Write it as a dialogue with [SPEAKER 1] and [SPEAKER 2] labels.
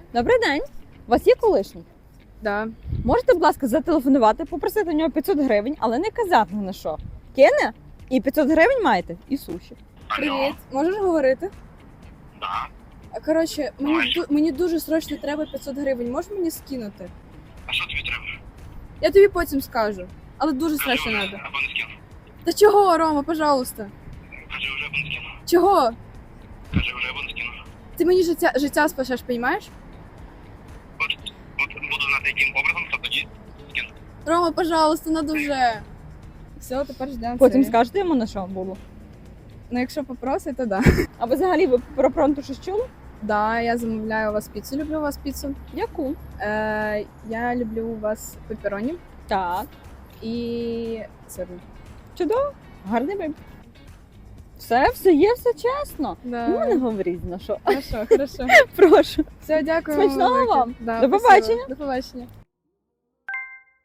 [SPEAKER 1] Добрий день. У вас є колишній?
[SPEAKER 2] Да.
[SPEAKER 1] Можете, будь ласка, зателефонувати, попросити у нього 500 гривень, але не казати на що. Кине? І 500 гривень маєте, і суші.
[SPEAKER 2] Привіт. Можеш говорити?
[SPEAKER 3] Да.
[SPEAKER 2] Коротше,
[SPEAKER 3] Давай.
[SPEAKER 2] мені дуже срочно треба 500 гривень. Можеш мені скинути?
[SPEAKER 3] А що тобі треба?
[SPEAKER 2] Я тобі потім скажу. Але дуже
[SPEAKER 3] Кажи
[SPEAKER 2] срочно
[SPEAKER 3] вже,
[SPEAKER 2] треба.
[SPEAKER 3] або не скину.
[SPEAKER 2] Та чого, Рома, пожалуйста?
[SPEAKER 3] Кажи вже, або не скину.
[SPEAKER 2] Чого?
[SPEAKER 3] Кажи вже, або не скину.
[SPEAKER 2] Ти мені життя спасеш, розумієш?
[SPEAKER 3] От буду знати, яким образом, то тоді скину.
[SPEAKER 2] Рома, пожалуйста, надо вже. Все, тепер ждемо.
[SPEAKER 1] Потім
[SPEAKER 2] це.
[SPEAKER 1] скажете йому, на що було.
[SPEAKER 2] Ну, якщо попросить, то да.
[SPEAKER 1] А ви взагалі ви про пронту щось чули?
[SPEAKER 2] Да, я замовляю у вас піцу. Люблю у вас піцу.
[SPEAKER 1] Яку?
[SPEAKER 2] Я люблю у вас пеппероні
[SPEAKER 1] Так.
[SPEAKER 2] і сирну.
[SPEAKER 1] Чудово. Гарний вибір. Все є, все чесно.
[SPEAKER 2] Да.
[SPEAKER 1] Ну, не говоріть на що.
[SPEAKER 2] Хорошо, хорошо.
[SPEAKER 1] Прошу.
[SPEAKER 2] Все, дякую.
[SPEAKER 1] Смачного
[SPEAKER 2] велике.
[SPEAKER 1] вам.
[SPEAKER 2] Да,
[SPEAKER 1] До
[SPEAKER 2] спасибо.
[SPEAKER 1] побачення.
[SPEAKER 2] До побачення.